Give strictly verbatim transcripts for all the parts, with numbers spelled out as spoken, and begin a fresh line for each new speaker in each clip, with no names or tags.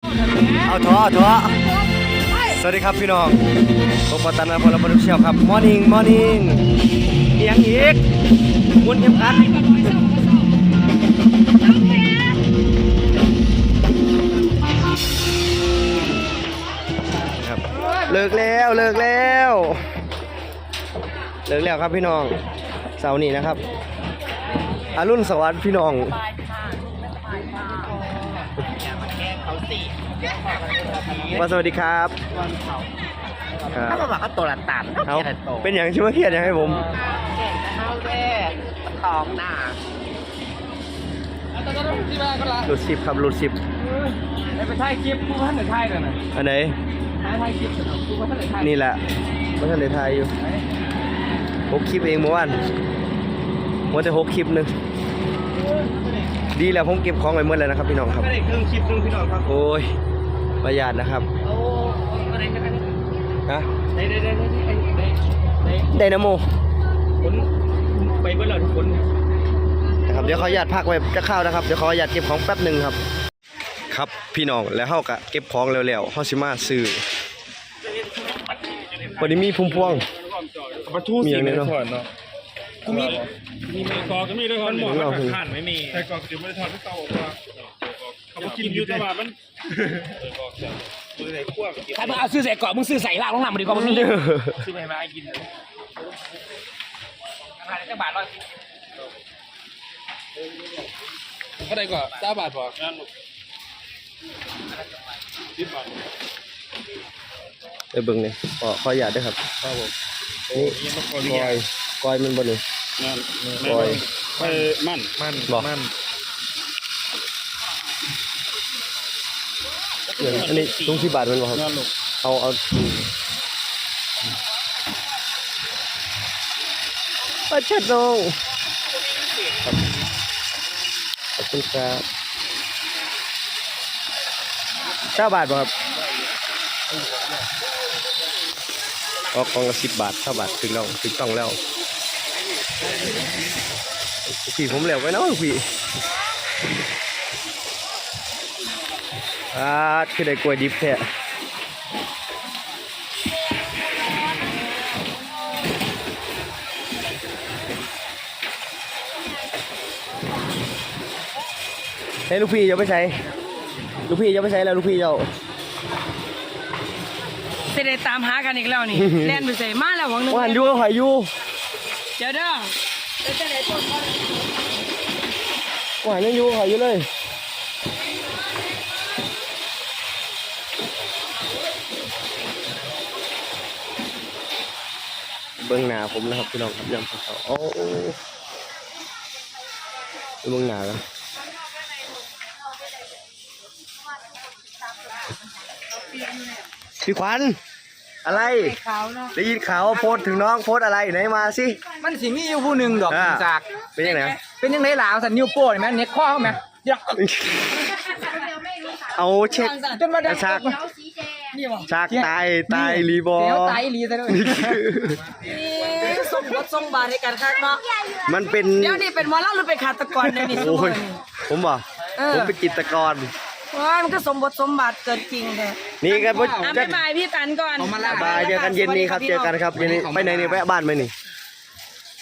เอาท้อท้อสวัสดีครับพี่น้องผมปตันนพลบรรลุเชียวครับมอร์นิ่งมอร์นิ่งเอียงอีกวนเข็มขัดครับเลิกแล้วเลิกแล้วเลิกแล้วครับพี่น้องเสาร์นี้นะครับอรุณสวัสดิ์พี่น้องมาสวัสดีครับ
ถ้าเราบอกว่าตัวละตัน
เอาเป็นอย่างที่เมื่อกี้อยากให้ผม
เก่งจะเข้าแค่ทองหน้า
หลุดสิบครับหลุดสิบ
ได้ไปถ่ายคลิปกูท่านไหนถ่ายเลยนะ
อันไหน
ถ่ายถ่ายคลิปกูท่านไหนถ่าย
นี่แหละว่าท่านไหนถ่ายอยู่หกคลิปเองเมื่อวานว่าจะหกคลิปนึงดีแล้วผมเก็บของไว้เมื่อแล้วนะครับพี่น้องครับ
ไม่ได้ครึ่งคลิปครึ่งพี่น้องครับ
โอ้ยประหยัดนะครับ
โอ้อะไรกัน
ฮะ
ได้ได้ได้ได้ได้
ไดนาโม
ผลไปเมื่อไหร่ทุกคน
นะครับเดี๋ยวขออนุญาตพักไว้จะเข้านะครับเดี๋ยวขออนุญาตเก็บของแป๊บหนึ่งครับครับพี่น้องแล้วเฮากะเก็บของเร็วๆเฮาสิมาซื้อวันนี้มีพุ่มพวงมีอย่างนี้เนาะ
กูมีมีไม้กอก็มีด้วยคนหมดมันขันไม่มีไม้กอเดี๋ยวไม่ได้ถอดไม่เตาออกมาเขาบอกกินอยู่ตลาดมันใครมึงเอาซื้อใส่เกาะมึงซื้อใส่ล่างลงหนังมาดีกว่ามึงนี่ซื้อไปมาให้กินราคาได้จักบาทร้อยเท่าไหร่ก่อนเก้าบาทพองานสิบบาท
ไปเบิ่งนี่ขอขออนุญาตด้วยครับครับผมนี่กอยกอยมันบ่นี่กอย
ไปมันมันมัน
อันนี้ลุงที่บาทมันบ่ครับเอาเอาปลาเช็ดลงขอบคุณครับเก้าบาทบ่ครับออกกองละสิบบาทเก้าบาทถึงแล้วถึงต้องแล้วพี่ผมเหลวไปเนาะพี่อ่าคือได้กล้วยดิบแท้เฮ้ยลูกพี่จะไปใช้ลูกพี่จะไปใช้แล้วลูกพี่เจ้า
เสด็จตามหากันอีกแล้วนี่แล่นไปใส่มาแล้วหวังหนึ่ง
ว่าหันยูหอยยู
เจ้าเด้อเจ้าไหนต้น
ว่าหันยูหอยยูเลยเบื้องหน้าผมนะครับพี่น้องครับยำเขาโอ้เบื้องหน้าแล้วพี่ขวัญอะไรได้ยินข่าวโพสถึงน้องโพสอะไรไหนมาสิ
มันสิมีอยู่ผู้หนึ่งดอกจาก
เป็นยังไง
เป็นยังไงหลาวสันนิ้วโป้ไหมเน็ตข้อไหม
เอาเช็ค
จนมาดัง
ชักชักตายตายรีบอ
เดี๋ยวตายรีซะด้วย
ส่งรถส่งบาทให้กันครับเนาะ
มันเป็น
เดี๋ยวนี้เป็นมอลล์หรือเป็นฆาตกรเนี่ยนี่
โอ้ยผมบอกผมเป็นจิตรกร
ว้ามันก็สมบทสมบัติเกิดจริงเลย
นี่กัน
พ่อจะบายพี่ตันก่อน
บายเจอกันเย็นนี้ครับเจอกันครับเย็นนี้ไปไหนเนี่ยแวะบ้านไหมนี่
ไป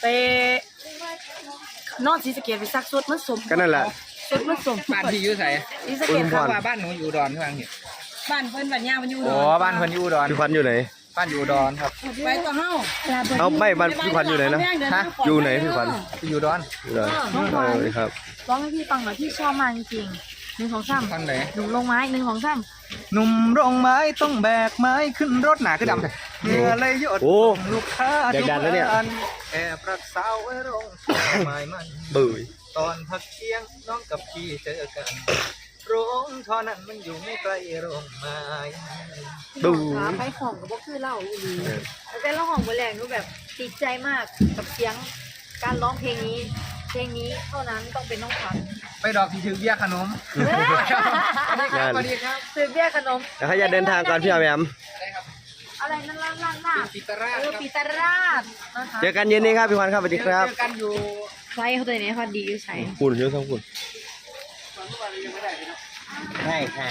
นอนศรีสะเกษไปซักสุดมันสม
ก็นั่นแหละ
สุดมันสม
บ้านพี่อยู่ไหน
ศรีสะเกษ
ครับว่าบ้านหนูอยู่ดอนข้างนี้
บ้านเพิ่นบ้านย่ามันอยู่
ดอนอ๋อบ้านเพิ่นอยู่ดอน
พี่ขวัญอยู่ไหน
บ้านอยู่ดอนครับ
ไปต่อเฮ้า
เอาไม่บ้านพี่ขวัญอยู่ไหนนะฮะอยู่ไหนพี่ขวัญ
อยู่ดอน
อยู่ดอนครับ
ร้องให้พี่ฟังหน่อยพี่ชอบมากจริงหนึ่งของซ้ำ
ทางไหน
หนุ่มลงไม้หนึ่งของซ้
ำหนุ่มลงไม้ต้องแบกไม้ขึ้นรถหนาขึ้นดำเมื่อเลยยดลูกค้า
ทุกคน
แอบรักสาวไว้รงไม้มัน
บื่อ
ตอนพักเที่ยงน้องกับพี่เจอกันโรงท่อนั้นมันอยู่ไม่ไกลโรงไม้
ดูไปห้องกับพวกคือเล่าอีหลีแต่เล่าห้องบนแรงนูแบบติดใจมากกับเสียงการร้องเพลงนี้เพลงนี้เท่านั้นต้องเป็นน้องขวัญ
ไปดอกที่ถือเบี้ยขนมสวัสดีครับ
ถือเบี้ยขนม
แล้วให้ยาเดินทางก่อนพี่อาแหมม
อะไรนั่นล่างล่างล่าง
ปีตราช
ปีตราช
เจอกันเย็นนี้ครับพี่ขวัญครับสวัสดีครับ
เจอกันอยู่
ใช่เขาตัวนี้เขาดีอยู่ใช่
คุณเยอะทั้งคุณ
ใช่ใช่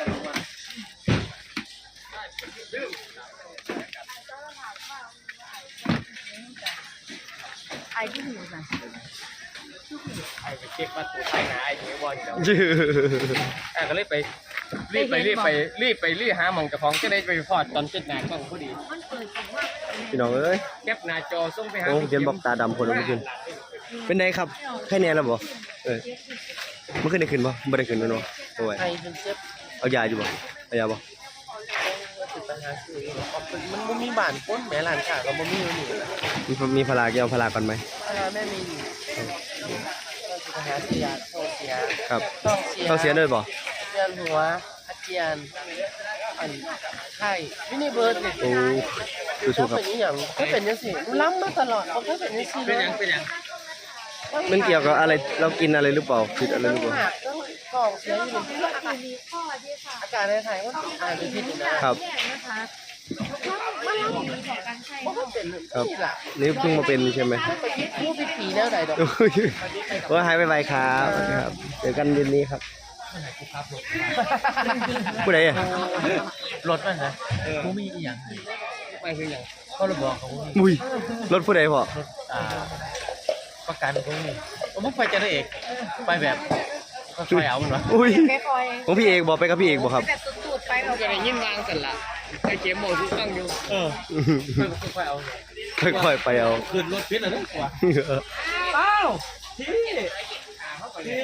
ไอ้ที่หูน่ะ
ไอ้ไปเช็คว่าตัวไทยนะไอ้ที่บอลเดี๋ยว
ยื้อ
อ่ะก็เลยไปรีบไปรีบไปรีบไปรีบหาหมองกับของจะได้ไปพอดตอนเช็ดหน้ากล้องพอดี
มันเปิดของว่า
พี่น้องเอ้ย
แคปหน้าจอส่งไปหา
โอ้เขียนบอกตาดำคนเมื่อคืนเป็นไงครับแค่นี้แล้วบ่เออเมื่อคืนได้ขึ้นบ่ไม่ได้ขึ้นแล้วเนาะโอ้ย
ไอ้เป็นเจ็บ
เอายาอยู่บ่เอายาบ่
ติดปัญหาคือมันมันมีบ้านก้นแม่หลานค่ะก็มันมีอยู่นี่
มีมีพลาแกเอาพลาก่อนไหม
แม่มีอยู่ปัญหาเสียโทษเสีย
ครับ
ต้องเสีย
ต้องเสียด้วยบ่
เวียนหัวอาเจียนอันไข้ไม่ได้เบิร์ดเลย
โอ้สู้ๆครับ
เป็นอย่างก็เป็นอย่างสิล้ำมาตลอดเขาก็เป็นอย่างสิเป็นอย่างเป็นอย่าง
มันเกี่ยวกับอะไรเรากินอะไรหรือเปล่าคิดอะไรหรือเปล่า
หักต้องกล่องเสียอยู่ที่
อาการมีข้อที่ค่ะ
อากาศในไทยว่าอาจจะผิดนะครับ
แยกนะคะมันเล่าดีของการใช้
เพราะมันเป็น
ครับ
นี่แหละ
นี่เพิ่งมาเป็นใช่ไหม
ไปคิดผู้ผิดผีแล้วใดดอก
โอ้ยว่าหายไปไปครับครับเจอกันเย็นนี้ครับผู้ใดอ่ะ
รถมันนะผู้มีอีหยังไปคืออย่างก็ระบอกของผู้มี
อุ้ยรถผู้ใดพอ
อ่าประกันผู้มีผมไม่ไปจะได้เอกไปแบบก็คอยเอามันวะ
อุ้ย
แค่คอย
ของพี่เอกบอกไปกับพี่เอกบอกครับ
แบบสุดๆไปแบบ
ก็ได้ยินวางกันละไอ้เข็มโมทุกตั้งอยู่เออค่อยเอา
ค่อยๆไปเอา
ขึ้นรถพิษอะไรนั่นกว่าอ้าวพี่พี่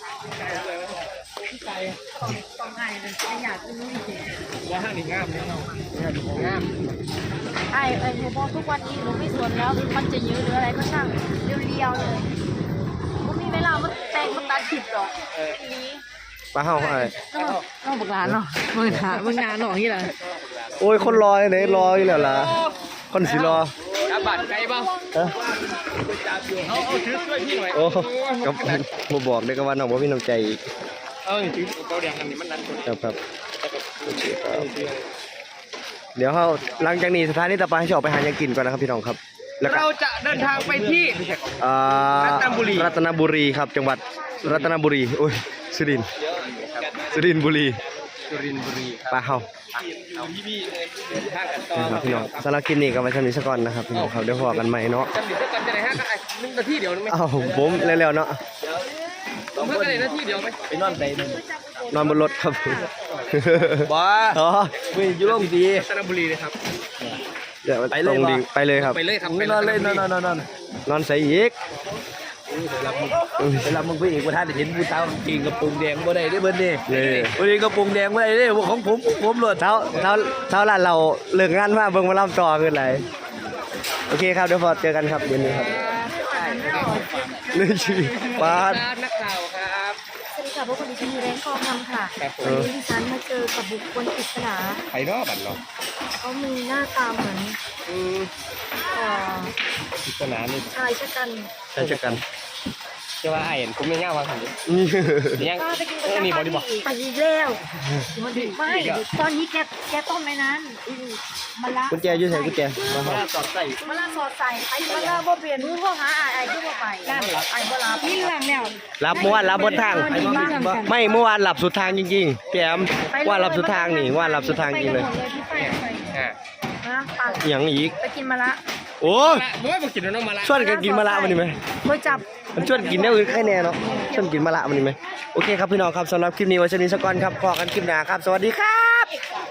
พี่ไก่
ต้องให้เป็นขยะที่นู่นจริง
ว่าห้างนี่งามเนี่ยเนาะงาม
ไอ้ไอ้หนูบอกทุกวันนี้หนูไม่สนแล้วมันจะยืดหรืออะไรก็ช่างเรียวๆเลยมันมีเวลามันแตงมันตัดผิดหรอกนี้
ปลาเห่าอะไร
ต้องบอกร้านเนาะมึงหามึงงานหนอที่ไร
โอ้ยคนรอไหนรออยู่แล้วล่ะคนสิรอ
อาบัตรไก่บ้าง
ฮะ
เอาเอาถือช่วยพี่หน่อย
โอ้กับมาบอกได้ก็ว่าน้องบ่มีน้ำใจอีก
เออถือเกาแดงอันนี้มันนั่น
ครับครับโอเคครับเดี๋ยวเขาหลังจากนี้สถานีต่อไปให้จะออกไปหายังกินก่อนนะครับพี่น้องครับแล้วก็
เราจะเดินทางไปที่
อ่า
รัตนบุรี
รัตนบุรีครับ จังหวัดรัตนบุรีโอ้ยสุรินทร์สุรินทร์บุรี
สุรินทร์บุรีครับ
ปลาเฮา
เอาพี่พี่เลยเดินทางกันต่อ
นะครับพี่น้องสำหรับคลิปนี้ก็ไว้เท่านี้สักก่อนนะครับพี่น้องครับเดี๋ยวพอกันใหม่เนาะ
จำเดี๋ยวกันจะได้ห้ากันหนึ่งนาทีเดียวนึงไหม
อ้าวผมเร็วๆเนาะ
ผมเพื่อกันได้นาทีเดียวไหมไปนอนไปนึง
นอนบนรถครับ
บ้า
อ๋อ
วิ่งยุ่งดีรัตนบุรีเลยครับ
เดี๋ยวไปเลยไปเลยครับ
ไปเลยครับไปนอนเลยนอนนอนนอน
นอนใส่อีก
เวลามึงไปอีกว่าท่านเห็นผู้สาวกินกระปุกแดงบ่ได้ได้เบิ้ลนี่
นี่
วันนี้กระปุกแดงบ่ได้ได้ของผมผมหลด
เช้าเช้าเช้าร้านเราเลิกงานมาเบิ่งมาล่ำต่อขึ้นไรโอเคครับเดี๋ยวพอเจอกันครับเย็นนี้ครับนี่ชีปาด
นักข่าวครับ
สวัสดีค่ะพวกคนดิฉันมีแรงคอมทำค่ะ
ครับผม
วันนี้ดิฉันมาเจอกับบุคคลปริศนา
ไปนอกบัตรเนาะ
เขามีหน้าตาเหมือน
อืม
เอ่อ
พิจารณานี่
ชายชะกัน
ใช่เจอกัน
จะว่าไอ้เห็นผมไม่ง่ายวางหันยัง
ป้าไปกิน
เออนี่บอกดิบอก
ไปอีกแล้วมันดีไม่ตอนนี้แกแกต้มในนั้นอือมะละ
กุญแจอยู่ไหนกุญแจมาครับ
ตอดใส่
มะละสอดใส่ไอ้มะละบ่เปลี่ยนมือพ่อหาไอ้ไอ้ที่บ่ไปนั่นไอ้บ่ลาพี่หลังแล้ว
รับเมื่อวานรับบนทาง ไม่เมื่อวานหลับสุดทางจริงๆพี่แอมว่าหลับสุดทางนี่ว่าหลับสุดทางจริงเลย
ไปกันหมดเลยพี่ไปไป
อ่า
นะปัง
อย่างอีก
ไปกินมะละ
โอ้ย
ละบ่มากินน้องมาละ
ชวนกันกินมะละมันนี่ไหม
บ่จับ
มันชวนกินได้อื่นแค่แน่เนาะชวนกินมะละมันนี่ไหมโอเคครับพี่น้องครับสำหรับคลิปนี้ไว้ชนี้สักก่อนครับพอกันคลิปหน้าครับ สวัสดีครับ